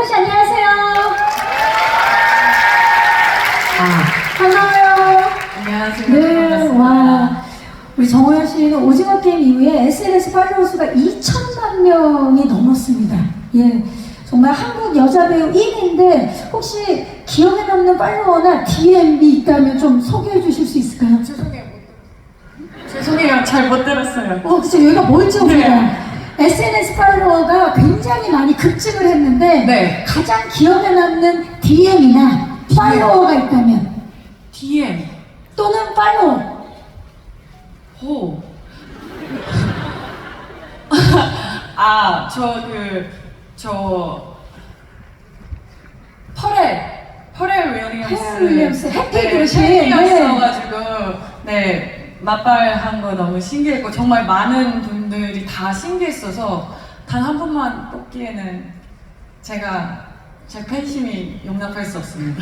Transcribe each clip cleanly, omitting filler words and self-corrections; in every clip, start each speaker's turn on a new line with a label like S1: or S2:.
S1: 씨 안녕하세요. 반가워요.
S2: 안녕하세요.
S1: 네,
S2: 반갑습니다.
S1: 와. 우리 정호연 씨는 오징어 게임 이후에 SNS 팔로워 수가 2천만 명이 넘었습니다. 예. 정말 한국 여자 배우 1위인데 혹시 기억에 남는 팔로워나 DM이 있다면 좀 소개해 주실 수 있을까요?
S2: 죄송해요. 잘 못 들었어요.
S1: 그쵸. 여기가 뭐였죠?
S2: 네.
S1: SNS 팔로워가 굉장히 많이 급증을 했는데
S2: 네.
S1: 가장 기억에 남는 DM이나 팔로워가 있다면
S2: DM.
S1: 또는 팔로워.
S2: 호. 퍼렐 윌리엄스.
S1: 해피 그릇이.
S2: 팬이었어가지고, 네, 맞발한 거 너무 신기했고, 정말 많은 분들이 다 신기했어서, 단 한 번만 뽑기에는 제 팬심이 용납할 수 없습니다.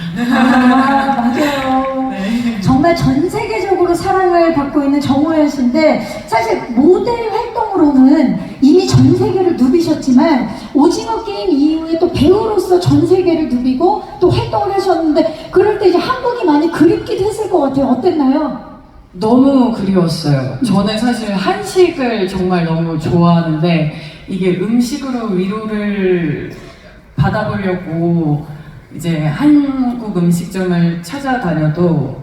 S1: 맞아요.
S2: 네.
S1: 정말 전 세계적으로 사랑을 받고 있는 정호연 씨인데 사실 모델 활동으로는 이미 전 세계를 누비셨지만 오징어 게임 이후에 또 배우로서 전 세계를 누비고 또 활동을 하셨는데 그럴 때 이제 한국이 많이 그립기도 했을 것 같아요. 어땠나요?
S2: 너무 그리웠어요. 저는 사실 한식을 정말 너무 좋아하는데 이게 음식으로 위로를 받아보려고 이제 한국 음식점을 찾아다녀도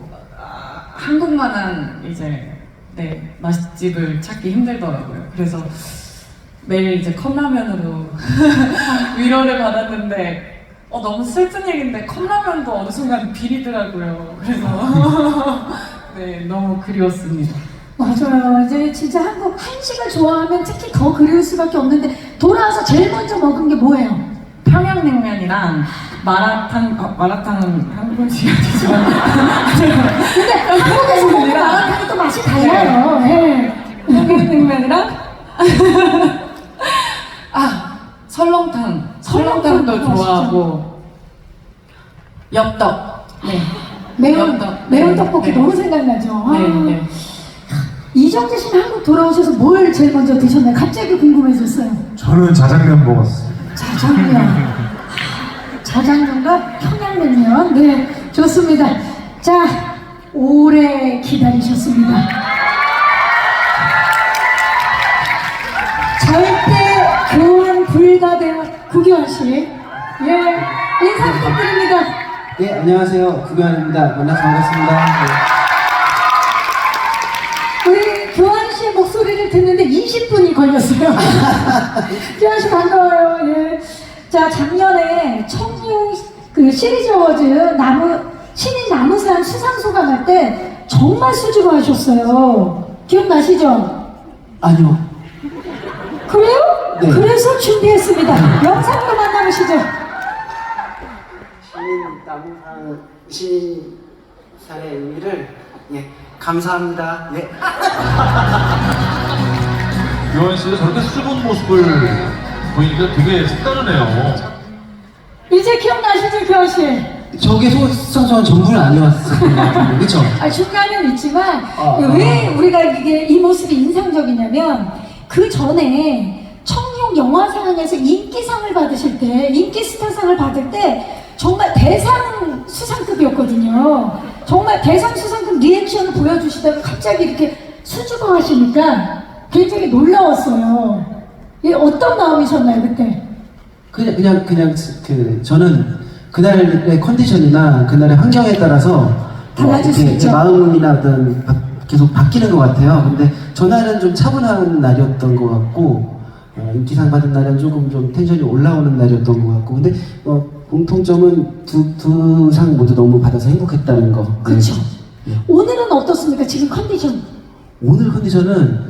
S2: 한국만한 이제 맛집을 찾기 힘들더라고요. 그래서 매일 이제 컵라면으로 위로를 받았는데 너무 슬픈 얘기인데 컵라면도 어느 순간 비리더라고요. 그래서 네, 너무 그리웠습니다.
S1: 맞아요. 이제 진짜 한국 한식을 좋아하면 특히 더 그리울 수밖에 없는데 돌아와서 제일 먼저 먹은 게 뭐예요?
S2: 평양냉면이랑 마라탕은 한국식 아니지만
S1: 근데 한국에서 먹는 마라탕이 또 맛이 달라요. 네.
S2: 평양냉면이랑 설렁탕도 좋아하고 엽떡. 네.
S1: 매운 떡볶이
S2: 네.
S1: 너무 생각나죠.
S2: 네, 네.
S1: 이정재 씨는 한국 돌아오셔서 뭘 제일 먼저 드셨나요? 갑자기 궁금해졌어요.
S3: 저는 자장면 먹었어요.
S1: 자장면과 평양냉면. 네, 좋습니다. 자, 오래 기다리셨습니다. 절대 교환 불가대원 구교환 씨. 예, 인사 부탁드립니다.
S4: 네, 안녕하세요. 구교환입니다. 만나서 반갑습니다.
S1: 우리 교환 씨의 목소리를 듣는데 20분이 걸렸어요. 교환 씨 반가워요. 예. 자, 작년에 청룡 시리즈 어워즈 신인 나무상 수상 소감할 때 정말 수줍어하셨어요. 기억나시죠?
S4: 아니요.
S1: 그래요?
S4: 네.
S1: 그래서 준비했습니다. 영상으로 만나보시죠.
S4: 신인상의 의미를 감사합니다. 예.
S3: 유한 씨가 저렇게 수줍은 모습을 보이니까 되게 색다르네요.
S1: 이제 기억나시죠, 교환 씨?
S4: 저게 수상소감 전부는 아니었을 것 같은데, 그쵸?
S1: 중간은 있지만 왜 우리가 이 모습이 인상적이냐면 그 전에 청룡 영화상에서 인기상을 받으실 때 인기스타상을 받을 때 정말 대상 수상급이었거든요. 정말 대상 수상급 리액션을 보여주시다가 갑자기 이렇게 수줍어 하시니까 굉장히 놀라웠어요. 어떤 마음이셨나요 그때?
S4: 그냥 저는 그날의 컨디션이나 그날의 환경에 따라서
S1: 달라질 수 있죠.
S4: 제 마음이나 계속 바뀌는 것 같아요. 근데 전날은 좀 차분한 날이었던 것 같고 인기상 받은 날은 조금 좀 텐션이 올라오는 날이었던 것 같고 근데 공통점은 두 상 모두 너무 받아서 행복했다는 거.
S1: 그렇죠.
S4: 네.
S1: 오늘은 어떻습니까? 지금 컨디션?
S4: 오늘 컨디션은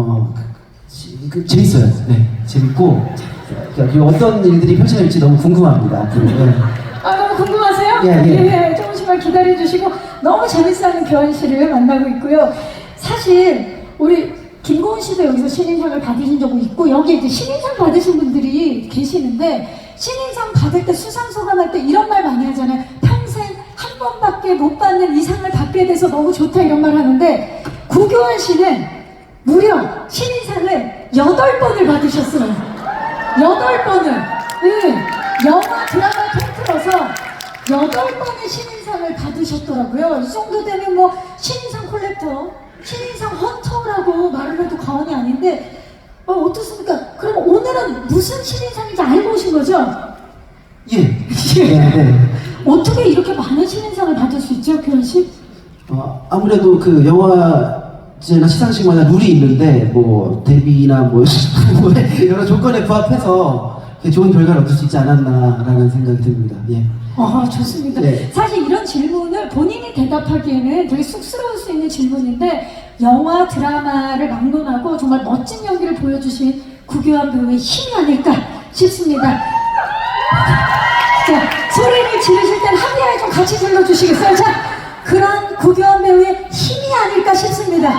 S4: 재밌어요. 네, 재밌고 어떤 일들이 펼쳐질지 너무 궁금합니다. 앞으로. 네.
S1: 너무 궁금하세요?
S4: 예.
S1: 조금씩만 기다려주시고 너무 재밌어하는 교환 씨를 만나고 있고요. 사실 우리 김고은 씨도 여기서 신인상을 받으신 적이 있고 여기 이제 신인상 받으신 분들이 계시는데 신인상 받을 때 수상 소감할 때 이런 말 많이 하잖아요. 평생 한 번밖에 못 받는 이 상을 받게 돼서 너무 좋다 이런 말 하는데 구교환 씨는 무려 신인상을 8번을 받으셨어요. 8번을. 네. 영화 드라마 통틀어서 8번의 신인상을 받으셨더라고요. 이 정도 되면 뭐 신인상 콜렉터, 신인상 헌터라고 말을 해도 과언이 아닌데 어떻습니까? 그럼 오늘은 무슨 신인상인지 알고 오신 거죠?
S4: 예. 네.
S1: 어떻게 이렇게 많은 신인상을 받을 수 있죠, 규현 씨?
S4: 아무래도 그 영화제나 시상식마다 룰이 있는데 뭐 데뷔나 뭐 여러 조건에 부합해서 좋은 결과를 얻을 수 있지 않았나라는 생각이 듭니다. 예.
S1: 좋습니다.
S4: 네.
S1: 사실 이런 질문을 본인이 대답하기에는 되게 쑥스러울 수 있는 질문인데 영화, 드라마를 막론하고 정말 멋진 연기를 보여주신 구교환 배우의 힘이 아닐까 싶습니다. 자, 소리를 지르실 땐 함께 좀 같이 질러주시겠어요? 자, 그런 구교환 배우의 힘이 아닐까 싶습니다.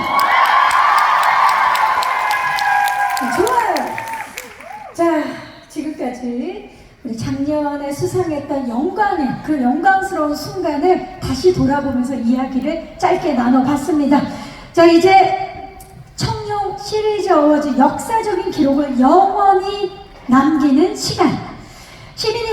S1: 좋아요. 자, 지금까지 우리 작년에 수상했던 영광의 그 영광스러운 순간을 다시 돌아보면서 이야기를 짧게 나눠봤습니다. 자, 이제 청룡 시리즈 어워즈 역사적인 기록을 영원히 남기는 시간. 시민이